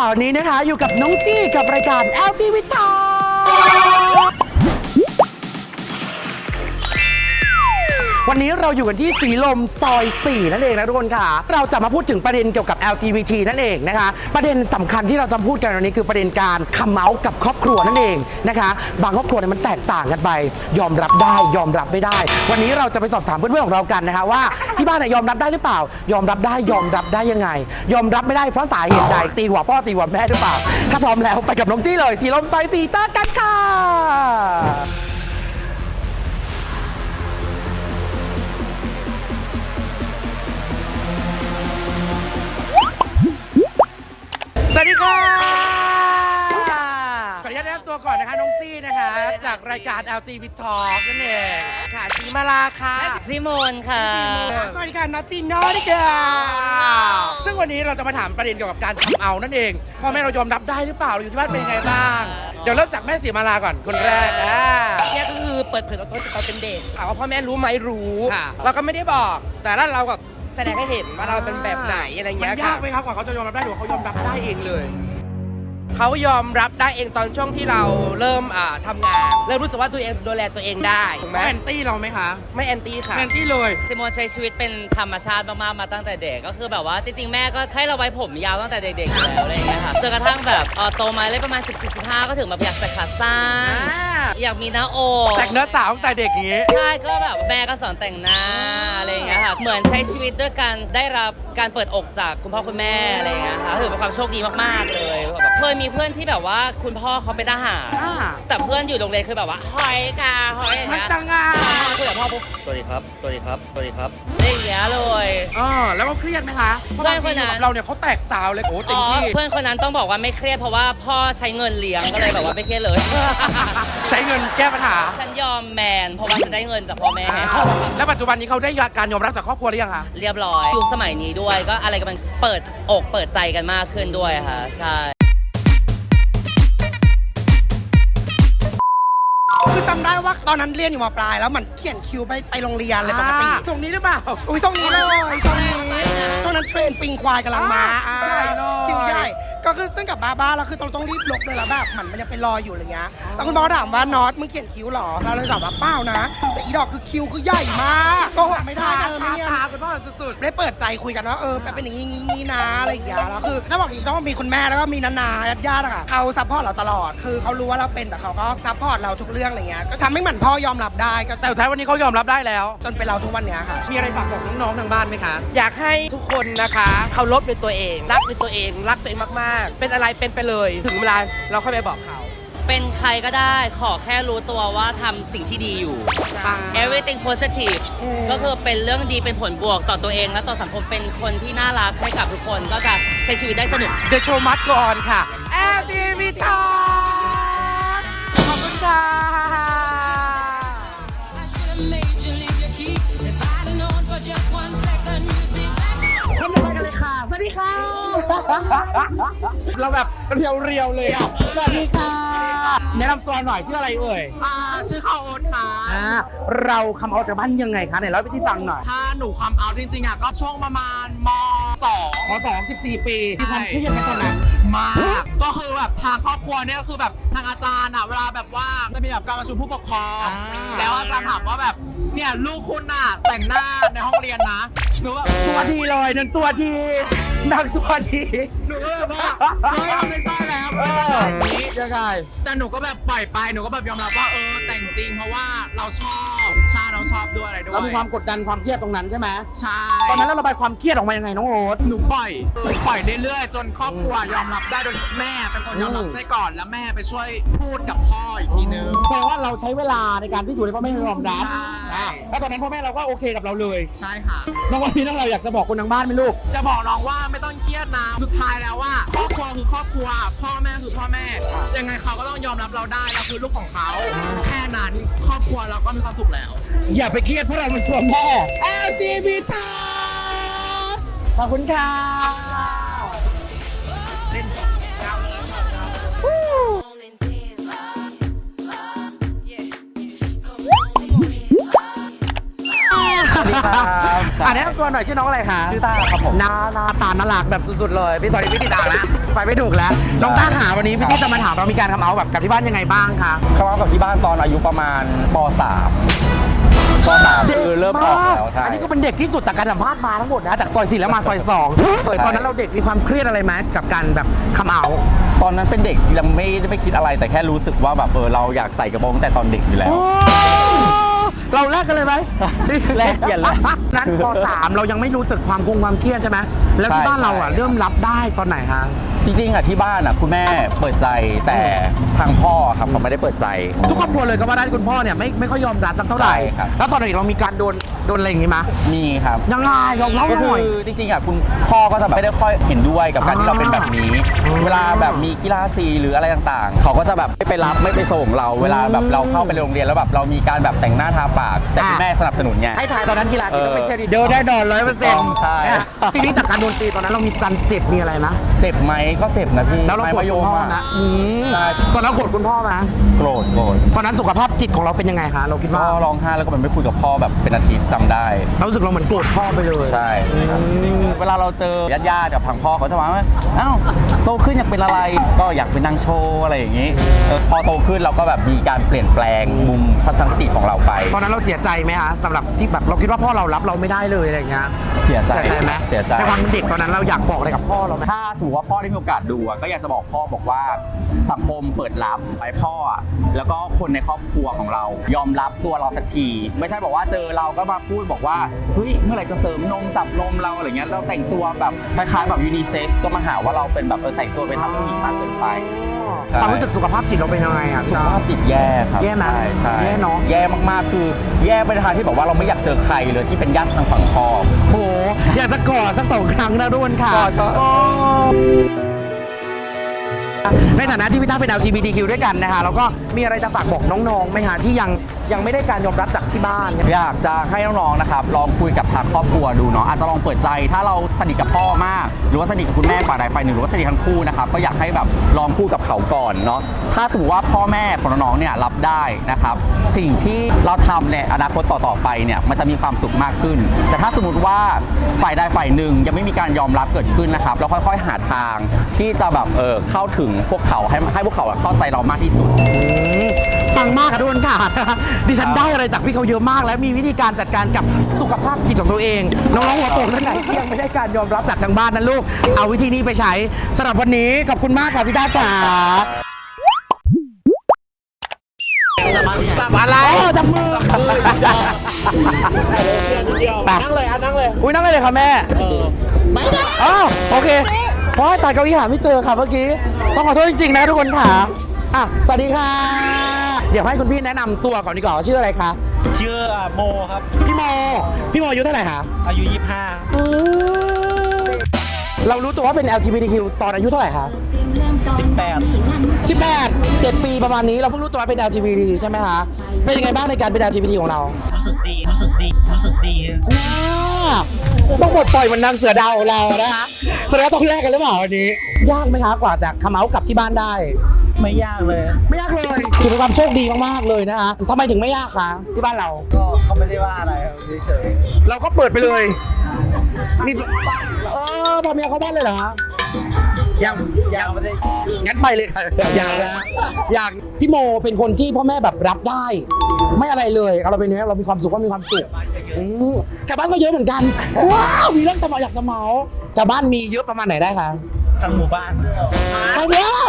วันนี้นะคะอยู่กับน้องจี้กับรายการ LTV Talk วันนี้เราอยู่กันที่สีลมซอย 4 นั่นเองนะทุกคนค่ะเราจะมาพูดถึงประเด็นเกี่ยวกับ LGBT นั่นเองนะคะประเด็นสำคัญที่เราจะพูดกันวันนี้คือประเด็นการคัมเมาส์กับครอบครัวนั่นเองนะคะบางครอบครัวเนี่ยมันแตกต่างกันไปยอมรับได้ยอมรับไม่ได้วันนี้เราจะไปสอบถามเพื่อนๆของเรากันนะคะว่าที่บ้านยอมรับได้หรือเปล่ายอมรับได้ยอมรับได้ยังไงยอมรับไม่ได้เพราะสาเหตุใดตีหัวพ่อตีหัวแม่หรือเปล่าถ้าพร้อมแล้วไปกับน้องจี้เลยสีลมซอย 4เจอกันค่ะสวัสดีค่ะขออนุญาตแนะนำตัวก่อนนะคะน้องจี้นะคะจากรายการ LTV Talk นั่นเองค่ะสีมาลาค่ะซิโมนค่ะสวัสดีค่ะนัทจีโน่ดิค่ะซึ่งวันนี้เราจะมาถามประเด็นเกี่ยวกับการทำเอานั่นเองพ่อแม่เรายอมรับได้หรือเปล่าเราอยู่ที่บ้านเป็นยังไงบ้างเดี๋ยวเริ่มจากแม่สีมาลาก่อนคนแรกเนี่ยก็คือเปิดเผยตัวตนจากตอนเป็นเด็กถามว่าพ่อแม่รู้ไหมรู้เราก็ไม่ได้บอกแต่ถ้าเราแบบแสดงให้เห็นว่าเราเป็นแบบไหนอะไรเงี้ยมันยากไหมครับกว่าเขาจะยอมรับได้หรือเขายอมรับได้เองเลยเขายอมรับได้เองตอนช่วงที่เราเริ่มทำงานเริ่มรู้สึกว่าตัวเองดูแลตัวเองได้ถูกไหมแอนตี้เราไหมคะไม่แอนตี้ค่ะแอนตี้เลยซิโมนใช้ชีวิตเป็นธรรมชาติมากๆมาตั้งแต่เด็กก็คือแบบว่าจริงๆแม่ก็ให้เราไว้ผมยาวตั้งแต่เด็กๆอยู่แล้วอะไรอย่างเงี้ยค่ะจนกระทั่งแบบโตมาเลยประมาณ14-15ก็ถึงแบบอยากใส่ขาสั้นอยากมีหน้าอกแต่งเนื้อสาวตั้งแต่เด็กอย่างงี้ใช่ก็แบบแม่ก็สอนแต่งหน้าอะไรอย่างเงี้ยค่ะเหมือนใช้ชีวิตด้วยการได้รับการเปิดอกจากคุณพ่อคุณแม่อะไรอย่างเงี้ยค่ะถือเป็นความโชคดีมากๆเลยแบบเคยมีเพื่อนที่แบบว่าคุณพ่อเขาเป็นทหารแต่เพื่อนอยู่โรงเรียนคือแบบว่าหอยค่ะหอยมันจังงาคุยกับพ่อปุ๊บสวัสดีครับสวัสดีครับสวัสดีครับได้อย่างเงี้ยเลยแล้วก็เครียดไหมคะเพื่อนคนนั้นเราเนี่ยเขาแตกสาวเลยโอ้เต็มที่เพื่อนคนนั้นต้องบอกว่าไม่เครียดเพราะว่าพ่อใช้เงินเลี้ยงก็เลยแบบว่าไม่เครียดเลยใช้เงินแก้ปัญหาฉันยอมแมนเพราะว่าฉันได้เงินจากพ่อแม่แล้วปัจจุบันนี้เขาได้การยอมรับจากครอบครัวหรือยังคะเรียบร้อยยุคสมัยนี้ด้วยก็อะไรกันมันเปิดอกเปิดใจกันมากขึ้นด้วยค่ะใช่คือจำได้ว่าตอนนั้นเรียนอยู่ม.ปลายแล้วมันเขียนคิวไปโรงเรียนเลยปกติตรงนี้หรือเปล่าอุ้ยตรงนี้เลยตรงนี้ช่วงนั้นเทรนปิงควายกำลังมาคิวใหญ่ก็คือซึ่งกับบ้าแล้วคือต้องรีบลบเลยแล้วแบบมันยังเป็นรอยอยู่อะไรเงี้ยแต่คุณพ่อถามว่าน็อตมึงเขียนคิวหรอเราเลยตอบว่าเปล่านะแต่อีดอกคือคิวคือใหญ่มากก็หดไม่ได้ไม่เนี่ยคุณพ่อสุดๆได้เปิดใจคุยกันว่าเป็นอย่างนี้นะอะไรอย่างเงี้ยแล้วคือถ้าบอกอีกต้องมีคุณแม่แล้วก็มีนาญาติอะค่ะเขาซัพพอร์ตเราตลอดคือเขารู้ว่าเราเป็นแต่เขาก็ซัพพอร์ตเราทุกเรื่องอะไรเงี้ยก็ทำให้เหมือนพ่อยอมรับได้ก็แต่ท้ายวันนี้เขายอมรับได้แล้วจนเป็นเราทุกวันเนี้ยค่ะมีอะไรฝากบอกน้องๆทางบ้านไหมคะอยากให้ทุกคนนะคะเคารพในตัวเองรักในตัวเองรักตัวเองมากๆเป็นอะไรเป็นไปเลยถึงเวลาเราค่อยไปบอกเขาเป็นใครก็ได้ขอแค่รู้ตัวว่าทำสิ่งที่ดีอยู่ everything positive ก็คือเป็นเรื่องดีเป็นผลบวกต่อตัวเองและต่อสังคมเป็นคนที่น่ารักให้กับทุกคนก็จะใช้ชีวิตได้สนุก The show must go on ค่ะ LTV Talk ขอบคุณค่ะคนต่อไปกันเลยค่ะสวัสดีค่ะเราแบบเรียวๆเลยอ่ะสวัสดีค่ะแนะนำตัวหน่อยชื่ออะไรเอ่ยชื่อข้าวโอ๊ตค่ะเราคำเอาจากบ้านยังไงคะไหนเล่าไปที่ฟังหน่อยถ้าหนูความเอาจริงๆอ่ะก็ช่วงประมาณม 14 ปีที่ทำเครียดไหมตอนนั้นมากก็คือแบบทางครอบครัวเนี่ยคือแบบทางอาจารย์อ่ะเวลาแบบว่าจะมีแบบการประชุมผู้ปกครองแล้วอาจารย์ถามว่าแบบเนี่ยลูกคุณน่ะแต่งหน้าในห้องเรียนนะหนูแบบตัวดีเลยนั่นตัวดีนักตัวดีหนูก็แบบว่าไม่ใช่แล้วนี้ยังไงแต่หนูก็แบบปล่อยไปหนูก็แบบยอมรับว่าแต่งจริงเพราะว่าเราชอบเราชอบด้วยอะไรด้วยเรามีความกดดันความเครียดตรงนั้นใช่ไหมใช่ตอนนั้นเราระบายความเครียดออกมายังไงน้องโอ๊ตหนูปล่อยเรื่อยๆจนครอบครัวยอมรับได้โดยแม่เป็นคนยอมรับได้ก่อนแล้วแม่ไปช่วยพูดกับพ่ออีกทีนึงแปลว่าเราใช้เวลาในการพิสูจน์ให้พ่อแม่ยอมรับแล้วตอนนั้นพ่อแม่เราก็โอเคกับเราเลยใช่ค่ะน้องวันนี้เราอยากจะบอกคนทางบ้านไหมลูกจะบอกน้องว่าไม่ต้องเครียดนะสุดท้ายแล้วว่าครอบครัวคือครอบครัวพ่อแม่คือพ่อแม่ยังไงเขาก็ต้องยอมรับเราได้เราคือลูกของเขาแค่นั้นครอบครัวเราก็มีความสุขแล้วอย่าไปเครียดเพราะเราเป็นตัวแม่ LGBT ขอบคุณค่ะสวัสดีครับแนะนำตัวหน่อยชื่อน้องอะไรคะชื่อต้าครับผมหน้าตาน่ารักแบบสุดๆเลยพี่ตอนนี้พี่ติดอ่างแล้วไปไม่ถูกแล้วน้องต้าหาวันนี้พี่จะมาถามเรามีการทำเอาแบบกับที่บ้านยังไงบ้างคะเข้ามากับที่บ้านตอนอายุประมาณป .3 ป .3 คือเริ่มออกแล้วใช่อันนี้ก็เป็นเด็กที่สุดจากการสัมภาษณ์มาทั้งหมดนะจากซอย4แล้วมาซอย2ตอนนั้นเราเด็กมีความเครียดอะไรไหมกับการแบบคำเอาตอนนั้นเป็นเด็กยังไม่ได้คิดอะไรแต่แค่รู้สึกว่าแบบเราอยากใส่กระโปรงตั้งแต่ตอนเด็กอยู่แล้วเราแลกกันเลยไหมแลกกันเลยนั้นป .3 เรายังไม่รู้จักความความเครียดใช่ไหมแล้วที่บ้านเราอ่ะเริ่มรับได้ตอนไหนคะจริงๆที่บ้านคุณแม่เปิดใจแต่ทางพ่อครับเขาไม่ได้เปิดใจทุกครอบครัวเลยก็ว่าได้คุณพ่อเนี่ยไม่ค่อยยอมรับสักเท่าไหร่ใช่ครับแล้วตอนเด็กเรามีการโดนอะไรอย่างงี้มั้ยมีครับยังไงลองเล่าก็หคืน่อยอจริงๆคุณพ่อก็จะแบบไม่ได้ค่อยเห็นด้วยกับการที่เราเป็นแบบนี้ เวลาแบบมีกีฬาสีหรืออะไรต่างๆ เขาก็จะแบบไม่ไปรับไม่ไปส่งเรา เวลาแบบเราเข้าไปโรงเรียนแล้วแบบเรามีการแบบแต่งหน้าทาปาก แต่คุณแม่สนับสนุนไงให้ถ่ายตอนนั้นกีฬาสีต้องเป็นเชียร์ลีดเดอร์ได้นอน100% ใช่ทีนี้จากการโดนตีตอนนั้นเรามีการเจ็บมีอะไรนะเจ็บไหมก็เจ็บนะพี่แล้วเราไม้โกรธมะยคุณมพ่ออะนะใช่ตอนนั้นโกรธคุณพ่อไหมโกรธตอนนั้นสุขภาพจิตของเราเป็นยังไงคะเราคิดก็ว่าร้องไห้แล้วก็แบบไม่คุยกับพ่อแบบเป็นอาทิตย์จำได้เรารู้สึกเราเหมือนโกรธพ่อไปเลยใช่ครับเวลาเราเจอญาติๆกับทางพ่อเขาจะมาว่าอ้าวโตขึ้นอยากเป็นอะไรก็อยากเป็นนางโชว์อะไรอย่างนี้พอโตขึ้นเราก็แบบมีการเปลี่ยนแปลงมุมทัศนคติของเราไปตอนนั้นเราเสียใจไหมคะสำหรับที่แบบเราคิดว่าพ่อเรารับเราไม่ได้เลยอะไรอย่างเงี้ยเสียใจไหมเสียใจในความเป็นเด็กตอนนั้นเราอยากบอกอะไรกับพ่อเราไหมถ้าสมมติว่าพ่อได้มีโอกาสดูก็อยากจะบอกพ่อบอกว่าสังคมเปิดรับไปพ่อแล้วก็คนในครอบครัวของเรายอมรับตัวเราสักทีไม่ใช่บอกว่าเจอเราก็มาพูดบอกว่าเฮ้ยเมื่อไหร่จะเสริมนมจับนมเราอะไรเงี้ยเราแต่งตัวแบบคล้ายๆแบบยูนิเซ็กซ์ก็มาหาว่าเราเป็นแบบแต่งตัวไปทำผู้หญิงมากเกินไป ใช่ความรู้สึกสุขภาพจิตเราเป็นยังไงอ่ะสุขภาพจิตแย่ครับแย่ไหมใช่แย่เนอะแย่มากๆคือแย่ไปในทางที่แบบว่าเราไม่อยากเจอใครเลยที่เป็นญาติทางฝั่งพ่อโหอยากจะกอดสัก2 ครั้งนะทุกคนค่ะกอดโอ้ในฐานะที่พี่ต้าเป็น LGBTQ ด้วยกันนะคะแล้วก็มีอะไรจะฝากบอกน้องๆไหมคะที่ยังไม่ได้การยอมรับจากที่บ้านอยากจะให้น้องๆนะครับลองคุยกับทางครอบครัวดูเนาะอาจจะลองเปิดใจถ้าเราสนิทกับพ่อมาก หรือว่าสนิทกับคุณแม่ฝ่ายใดฝ่ายหนึ่งหรือว่าสนิททั้งคู่นะครับก็อยากให้แบบลองพูดกับเขาก่อนเนาะถ้าสมมติว่าพ่อแม่ของน้องๆเนี่ยรับได้นะครับสิ่งที่เราทำในอนาคตต่อๆไปเนี่ยมันจะมีความสุขมากขึ้น แต่ถ้าสมมติว่าฝ่ายใดฝ่ายหนึ่งยังไม่มีการยอมรับเกิดขึ้นนะครับเราค่อยๆหาทางที่จะแบบเข้าถึงพวกเขาให้พวกเขาเข้าใจเรามากที่สุดฟังมากค่ะทุกคนค่ะ ดิฉันได้อะไรจากพี่เขาเยอะมากและมีวิธีการจัดการกับสุขภาพจิตของตัวเอง น้องๆหัวโตท่านไหนที่ยังไม่ได้การยอมรับจากทางบ้านนั้นลูก เอาวิธีนี้ไปใช้สำหรับวันนี้ขอบคุณมากค่ะพี่ด้าจ๋าอะไรจับมือนั่งเลยนั่งเลยอุ้ยนั่งเลยค่ะแม่ไม่ได้อ๋อโอเคเพราะตายเก้าอี้หาไม่เจอค่ะเมื่อกี้ต้องขอโทษจริงๆนะทุกคนค่ะอ่ะสวัสดีค่ะ เดี๋ยวให้คุณพี่แนะนำตัวก่อนดีกว่าว่าชื่ออะไรคะชื่อโมครับพี่โมอายุเท่าไหร่คะอายุเรารู้ตัวว่าเป็น LGBTQ ตอนอายุเท่าไหร่คะ 25 18 7 ปีประมาณนี้เราเพิ่งรู้ตัวว่าเป็น LGBT ใช่ไหมคะเป็นยังไงบ้างในการเป็น LGBT ของเรารู้สึกดีต้องปลดปล่อยเหมันนางเสือดาวของเรานะคะแสดงว่าต้องแลกกันหรือเปล่าวันนี้ ยากไหมคะกว่าจะคัมเอาท์กลับที่บ้านได้ไม่ยากเลยไม่ยากเลยถือเป็นความโชคดีมากๆเลยนะคะทำไมถึงไม่ยากคะที่บ้านเราก็เขาไม่ได้ว่าอะไรเฉยเราก็เปิดไปเลยนี่พอเมียเข้าบ้านเลยเหรอฮะยังยังไม่ได้งั้นไปเลยค่ะอย่างนะอย่างพี่โมเป็นคนที่พ่อแม่แบบรับได้ ไม่อะไรเลยเราเป็นเนี้ยเรามีความสุขก็มีความสุขแถวบ้านก็เยอะเหมือนกันว้าวมีเรื่องจะมาอยากจะเมาแถวบ้านมีเยอะประมาณไหนได้คะทางหมู่บ้านทางเดียว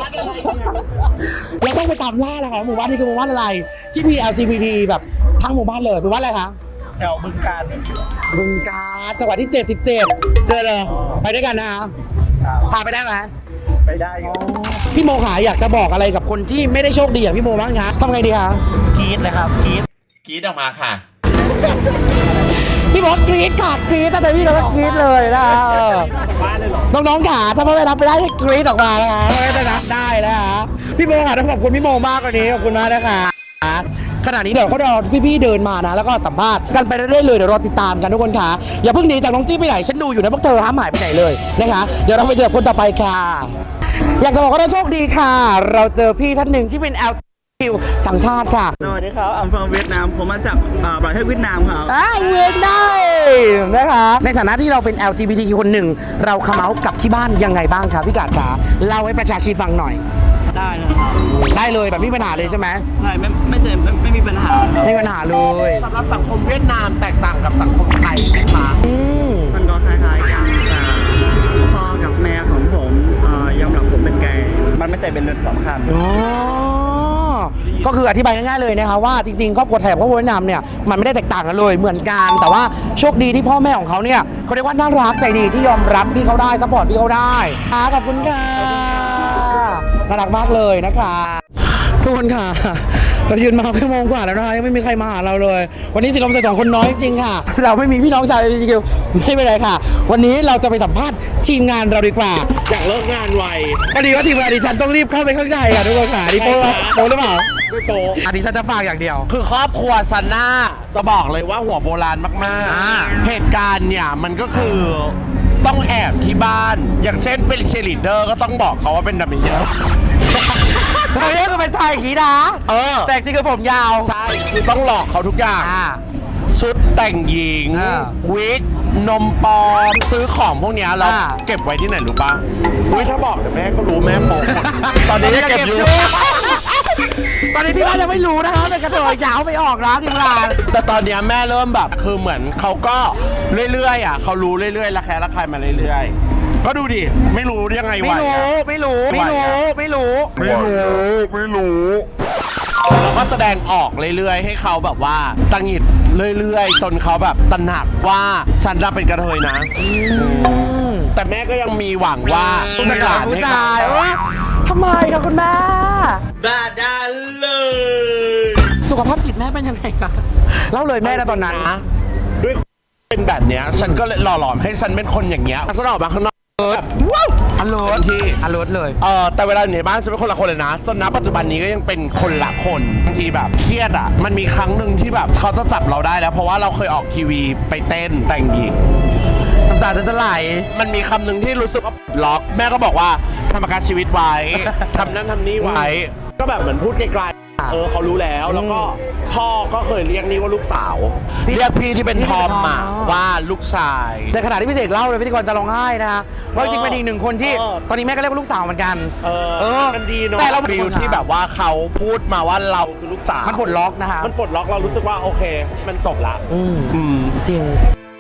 เราต้องไปตามล่าแล้วค่ะหมู่บ้านนี้คือหมู่บ้านอะไร ที่มี LGBT แบบทั้งหมู่บ้านเลยหมู่บ้านอะไรคะแถวบึงการบึงกาฬจังหวัดที่ 77 เจอเลยไปด้วยกันนะคะพาไปได้ไหมไปได้อยู่พี่โมขาอยากจะบอกอะไรกับคนที่ไม่ได้โชคดีอย่างพี่โมบ้างคะทำไงดีคะกรี๊ดเลยครับกรี๊ดกรีดออกมาค่ะพี่บอกกรี๊ดค่ะกรี๊ดแต่พี่ก็กรี๊ดเลยนะน้องๆขาถ้าไม่รับไปได้ให้กรี๊ดออกมานะคะไม่ได้รับได้นะคะพี่โมค่ะต้องขอบคุณพี่โมมากกว่านี้ขอบคุณมากนะคะขณะนี้เดี๋ยวก็รอพี่ๆเดินมานะแล้วก็สัมภาษณ์กันไปเรื่อยๆเลยเดี๋ยวรอติดตามกันทุกคนค่ะอย่าเพิ่งหนีจากน้องจี้ไปไหนฉันดูอยู่นะพวกเธอห้ามหายไปไหนเลยนะคะเดี๋ยวเราไปเจอคนต่อไปค่ะ อยากจะบอกว่าเราโชคดีค่ะ เราเจอพี่ท่านหนึ่งที่เป็นคิวต่างชาติค่ะสวัสดีครับ I'm from เวียดนาม ผมมาจากประเทศเวียดนามครับเวียดนามนะคะในฐานะที่เราเป็น LGBTQ คนหนึ่งเราคัมเอาท์กับที่บ้านยังไงบ้างคะพี่กาดคะเล่าให้ประชาชนฟังหน่อยได้เลยครับได้เลยแบบไม่มีปัญหาเลยใช่ไหมใช่ไม่มีปัญหาครับไม่มีปัญหาเลยสำหรับสังคมเวียดนามแตกต่างกับสังคมไทยไหมคะอืมมันก็คล้ายๆกันแต่พ่อกับแม่ของผมยอมรับผมเป็นเกย์มันไม่ใช่เป็นเรื่องสำคัญอ๋อก็คืออธิบายง่ายๆเลยนะคะว่าจริงๆครอบครัวไทยกับครอบครัวเวียดนามเนี่ยมันไม่ได้แตกต่างกันเลยเหมือนกันแต่ว่าโชคดีที่พ่อแม่ของเขาเนี่ยเขาเรียกว่าน่ารักใจดีที่ยอมรับพี่เขาได้ซัพพอร์ตพี่เขาได้ขอบคุณค่ะน่ารักมากเลยนะคะทุกคนค่ะเรายืนมา1 ชั่วโมงกว่าแล้วนะคะยังไม่มีใครมาหาเราเลย วันนี้สิลมใส่2 คนน้อยจริงๆค่ะ เราไม่มีพี่น้องชาว LGBTQ ไม่เป็นไรค่ะ วันนี้เราจะไปสัมภาษณ์ทีมงานเราดีกว่าอยากเลิกงานไวพอดีว่าทีมงานดิฉันต้องรีบเข้าไปข้างในค่ะทุกคนค่ะดิโป้โป้หรือเปล่าไม่โตดิฉันจะฝากอย่างเดียวคือครอบครัวซันน่าจะบอกเลยว่าหัวโบราณมากอ่าๆ เหตุการณ์เนี่ยมันก็คือต้องแอบที่บ้าน อย่างเช่นเป็นเชยร์ลีดเดอร์ก็ต้องบอกเขาว่าเป็นดัมเมเยอร์เราเรียกกันเป็นชายอย่างนี้นะเออแต่จริงๆคือผมยาวใช่คือต้องหลอกเขาทุกอย่าง ชุดแต่งหญิงอ่าวิก นมปลอม ซื้อของพวกเนี้ยเราอ่าเก็บไว้ที่ไหนรู้ปะอุ้ยถ้าบอกเดี๋ยวแม่ก็รู้แม่โปกหมดตอนนี้ยังเก็บอยู่ตอนนี้ที่บ้านยังไม่รู้นะคะเป็นกระเทยยาวไปออกนะทีมงานแต่ตอนเนี้ยแม่เริ่มแบบคือเหมือนเขาก็เรื่อยๆอ่ะเขารู้เรื่อยๆระแคะระคายมาเรื่อยๆ ก็ดูดิ ไม่รู้ยังไงไม่วะรู้ไม่รู้ไม่รู้ไม่รู้เราก็แสดงออกเรื่อยๆ ให้เขาแบบว่าตังหงิดเรื่อยๆ จนเขาแบบตระหนักว่าฉันจะเป็นกระเทยนะ แต่แม่ก็ยังมีหวังว่าผู้มีหลานผู้ให้ชาเขายว่าทำไมคะคุณแม่บ้าด้านเลยสุขภาพจิตแม่เป็นยังไงคะเล่าเลยแม่นะตอนนั้นด้วยเป็นแบบเนี้ยฉันก็เลยหล่อหลอมให้ฉันเป็นคนอย่างเงี้ยฉันออกมาข้างนอกแบบว้าวอเลิร์ที่อเลิร์เลยแต่เวลาอยู่ในบ้านฉันเป็นคนละคนเลยนะ จนณปัจจุบันนี้ก็ยังเป็นคนละคนบางทีแบบเครียดอ่ะ มันมีครั้งหนึ่งที่แบบเขาจะจับเราได้แล้ว เพราะว่าเราเคยออกทีวีไปเต้นแต่งหญิงน้ำตาจะไหลมันมีคำหนึ่งที่รู้สึกว่าล็อก แม่ก็บอกว่าทำประกันชีวิตไว้ ทำนั่นทำนี่ไว้ ก็แบบเหมือนพูดไกลๆเขารู้แล้วแล้วก็พ่อก็เคยเรียกนี่ว่าลูกสาว เรียกพี่ที่เป็นทอมมาว่าลูกชายในขณะที่พี่เสกเล่าเลยพิธีกรจะร้องไห้นะคะว่าจริงๆเป็นอีกหนึ่งคนที่เออตอนนี้แม่ก็เรียกว่าลูกสาวเหมือนกันมันดีเนาะแต่เราฟิลที่แบบว่าเขาพูดมาว่าเราคือลูกสาวมันปลดล็อกนะคะมันปลดล็อกเรารู้สึกว่าโอเค มันจบละ อืมจริง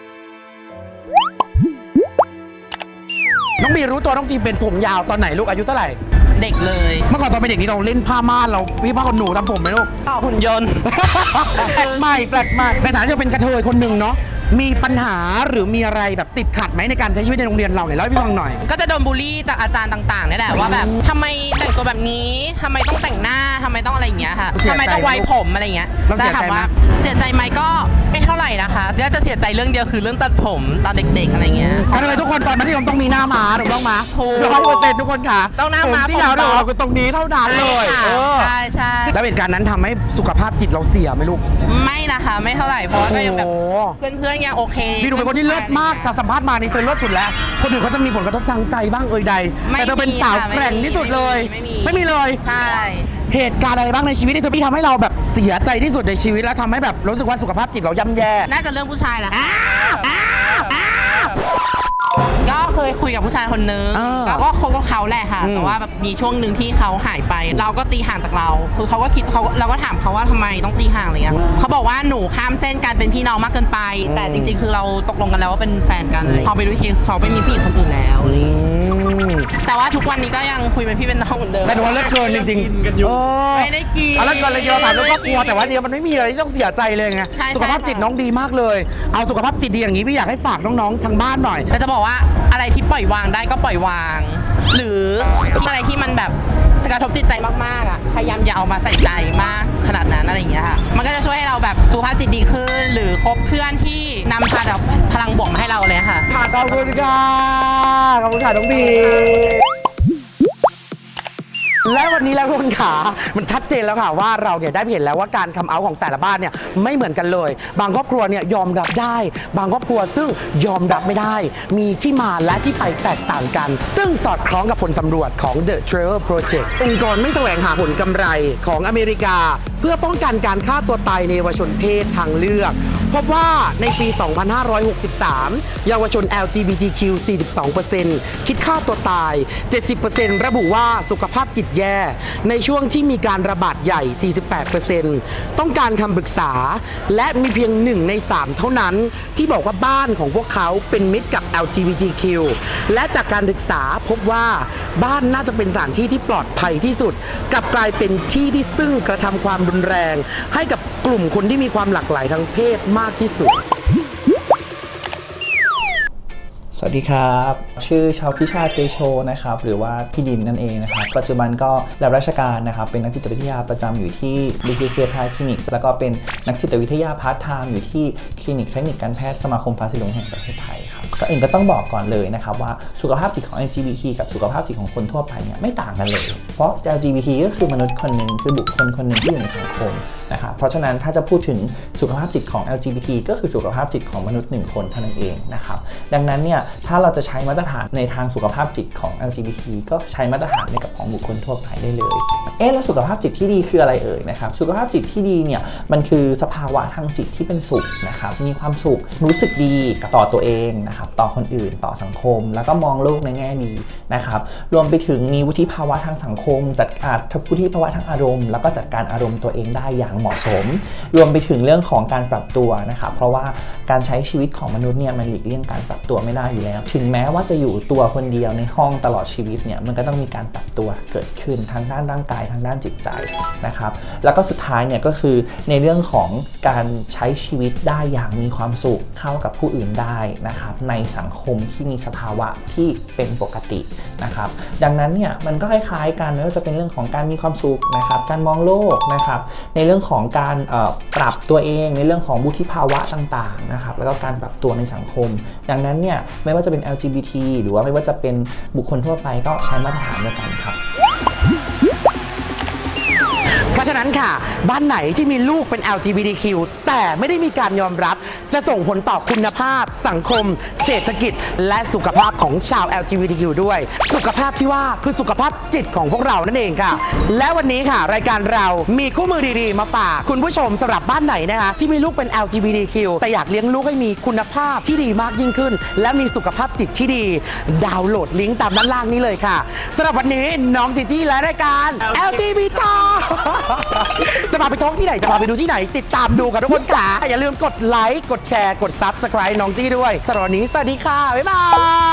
น้องบีรู้ตัวน้องจีเป็นผมยาวตอนไหนลูกอายุเท่าไหร่เด็กเลยเมื่อก่อนตอนเป็นเด็กนี่เราเล่นผ้าม่านเราพี่ผ้าขนหนูทำผมไหมลูกหุ่นยนต์แปลกใหม่แปลกใหม่ในฐานะที่เราเป็นกระเทยคนหนึ่งเนาะมีปัญหาหรือมีอะไรแบบติดขัดไหมในการใช้ชีวิตในโรงเรียนเราเนี่ยเล่าให้พี่ฟังหน่อยก็จะโดนบูลลี่จากอาจารย์ต่างๆนี่แหละว่าแบบทำไมแต่งตัวแบบนี้ทำไมต้องแต่งหน้าทำไมต้องอะไรอย่างเงี้ยค่ะเสียใจทำไมต้องไว้ผมอะไรอย่างเงี้ยเราเสียใจถามไหมว่าเสียใจไหมก็ไม่เท่าไหร่นะคะก็จะเสียใจเรื่องเดียวคือเรื่องตัดผมตอนเด็กๆอะไรเงี้ยกระเทยทุกคนตอนมัธยมต้องมีหน้าม้าถูกต้องไหมถูก 100%ทุกคนค่ะต้องหน้าม้าผมที่ยาวผมดอกเราคือตรงนี้เท่านั้นเลยใช่เออค่ะใช่แล้วเหตุการณ์นั้นทำให้สุขภาพจิตเราเสียไหมลูกไม่นะคะไม่เท่าไหร่เพราะว่าก็ยังแบบโอ้เพื่อนๆยังโอเคพี่ดูเป็นคนที่เลิศมากจากสัมภาษณ์มานี่เธอเลิศสุดแล้ว คนอื่นเขาจะมีผลกระทบทางใจบ้างใดไม่แต่เธอเป็นสาวค่ะแกร่งที่สุดเลยไม่มีเลยใช่เหตุการณ์อะไรบ้างในชีวิตที่เธอพี่ทำให้เราแบบเสียใจที่สุดในชีวิตแล้วทำให้แบบรู้สึกว่าสุขภาพจิตเราย่ำแย่น่าจะเรื่องผู้ชายแหละก็เคยคุยกับผู้ชายคนนึงอ่าก็คบกับเขาแหละค่ะอืมแต่ว่าแบบมีช่วงหนึ่งที่เขาหายไป เราก็ตีห่างจากเรา คือเขาก็คิดเราก็ถามเขาว่าทำไมต้องตีห่างอะไรเงี้ยเขาบอกว่าหนูข้ามเส้นการเป็นพี่น้องมากเกินไป แต่จริงๆ คือเราตกลงกันแล้วว่าเป็นแฟนกันพอไปดูทีเขาไปมีผู้หญิงคนอื่นแล้ว แต่ว่าทุกวันนี้ก็ยังคุยเป็นพี่เป็นน้องเหมือนเดิมแต่ดูว่าเลิศเกินจริงกินกันอยู่ๆเออไม่ได้กินเอาเลิศเกินเลยเยอะถามเรื่องครอบครัวแต่ว่าเดียวมันไม่มีอะไรที่ต้องเสียใจเลยไงใช่สุขภาพจิตน้องดีมากเลย เอาสุขภาพจิตดีอย่างนี้พี่อยากให้ฝากน้องๆทางบ้านหน่อยก็จะบอกว่าอะไรที่ปล่อยวางได้ก็ปล่อยวาง หรืออะไรที่มันแบบกระทบจิตใจมากๆอ่ะพยายามอย่าเอามาใส่ใจมากขนาดนั้นอะไรอย่างเงี้ยค่ะมันก็จะช่วยให้เราแบบสุขภาพจิตดีขึ้น หรือคบเพื่อนที่นำพาแบบพลังบวกมาให้เราเลยค่ะขอบคุณค่ะ ขอบคุณค่ะน้องบีและวันนี้แล้วทุกคนขามันชัดเจนแล้วค่ะว่าเราเนี่ยได้เห็นแล้วว่าการคัมเอาท์ของแต่ละบ้านเนี่ยไม่เหมือนกันเลย บางครอบครัวเนี่ยยอมรับได้ บางครอบครัวซึ่งยอมรับไม่ได้ มีที่มาและที่ไปแตกต่างกัน ซึ่งสอดคล้องกับผลสำรวจของ The Trevor Project องค์กรไม่แสวงหาผลกำไรของอเมริกา เพื่อป้องกันการฆ่าตัวตายในเยาวชนเพศทางเลือกพบว่าในปี 2563 เยาวชน LGBTQ 42% คิดฆ่าตัวตาย 70% ระบุว่าสุขภาพจิตแย่ ในช่วงที่มีการระบาดใหญ่ 48% ต้องการคำปรึกษา และมีเพียง 1 ใน 3 เท่านั้น ที่บอกว่าบ้านของพวกเขาเป็นมิตรกับ LGBTQ และจากการศึกษาพบว่าบ้านน่าจะเป็นสถานที่ที่ปลอดภัยที่สุดกลับกลายเป็นที่ที่ซึ่งกระทำความรุนแรง ให้กับกลุ่มคนที่มีความหลากหลายทางเพศมากที่สุดสวัสดีครับ ชื่อชาวพิชาติเตโชนะครับหรือว่าพี่ดินนั่นเองนะครับปัจจุบันก็รับราชการนะครับเป็นนักจิตวิทยาประจำอยู่ที่ BKK Private Clinic แล้วก็เป็นนักจิตวิทยาพาร์ทไทม์อยู่ที่คลินิกเทคนิคการแพทย์สมาคมฟ้าสีเหลืองแห่งประเทศไทยครับก็เองก็ต้องบอกก่อนเลยนะครับว่าสุขภาพจิตของ LGBT กับสุขภาพจิตของคนทั่วไปเนี่ยไม่ต่างกันเลยเพราะ LGBT ก็คือมนุษย์คนหนึ่งคือบุคคลคนหนึ่งที่อยู่ในสังคมนะครับเพราะฉะนั้นถ้าจะพูดถึงสุขภาพจิตของ LGBT ก็คือสุขภาพจิตของมนุษย์1คนเท่านั้นเองนะครับดังนั้นเนี่ยถ้าเราจะใช้มาตรฐานในทางสุขภาพจิตของ LGBT ก็ใช้มาตรฐานในกับของบุคคลทั่วไปได้เลยแล้วสุขภาพจิตที่ดีคืออะไรเอ่ยนะครับสุขภาพจิตที่ดีเนี่ยมันคือสภาวะทางจิตที่เป็นสุขนะครับมีความสุขรู้สึกดีต่อตัวเองนะครับต่อคนอื่นต่อสังคมแล้วก็มองโลกในแง่ดีนะครับรวมไปถึงมีวุฒิภาวะทางสังคมจัดการวุฒิภาวะทางอารมณ์แล้วก็จัดการอารมณ์ตัวเองได้อย่างเหมาะสมรวมไปถึงเรื่องของการปรับตัวนะครับเพราะว่าการใช้ชีวิตของมนุษย์เนี่ยมันหลีกเลี่ยงการปรับตัวไม่ได้อยู่แล้วถึงแม้ว่าจะอยู่ตัวคนเดียวในห้องตลอดชีวิตเนี่ยมันก็ต้องมีการปรับตัวเกิดขึ้นทางด้านร่างกายทางด้านจิตใจนะครับแล้วก็สุดท้ายเนี่ยก็คือในเรื่องของการใช้ชีวิตได้อย่างมีความสุขเข้ากับผู้อื่นได้นะครับในสังคมที่มีสภาวะที่เป็นปกตินะครับดังนั้นเนี่ยมันก็คล้ายๆกันไม่ว่าจะเป็นเรื่องของการมีความสุขนะครับการมองโลกนะครับในเรื่องของการปรับตัวเองในเรื่องของวุฒิภาวะต่างๆนะครับแล้วก็การปรับตัวในสังคมดังนั้นเนี่ยไม่ว่าจะเป็น LGBT หรือว่าไม่ว่าจะเป็นบุคคลทั่วไปก็ใช้มาตรฐานเดียวกันครับเพราะฉะนั้นค่ะบ้านไหนที่มีลูกเป็น LGBTQ แต่ไม่ได้มีการยอมรับจะส่งผลต่อคุณภาพสังคมเศรษฐกิจและสุขภาพของชาว LGBTQ ด้วยสุขภาพที่ว่าคือสุขภาพจิตของพวกเรานั่นเองค่ะและวันนี้ค่ะรายการเรามีคู่มือดีๆมาฝากคุณผู้ชมสำหรับบ้านไหนนะคะที่มีลูกเป็น LGBTQ แต่อยากเลี้ยงลูกให้มีคุณภาพที่ดีมากยิ่งขึ้นและมีสุขภาพจิตที่ดีดาวน์โหลดลิงก์ตามด้านล่างนี้เลยค่ะสำหรับวันนี้น้องจีจี้และรายการ LGBT จะพาไปท้องที่ไหนจะพาไปดูที่ไหนติดตามดูกันทุกคนค่ะอย่าลืมกดไลค์กดแชร์กด Subscribe น้องจี้ด้วยสำหรับวันนี้สวัสดีค่ะบ๊ายบาย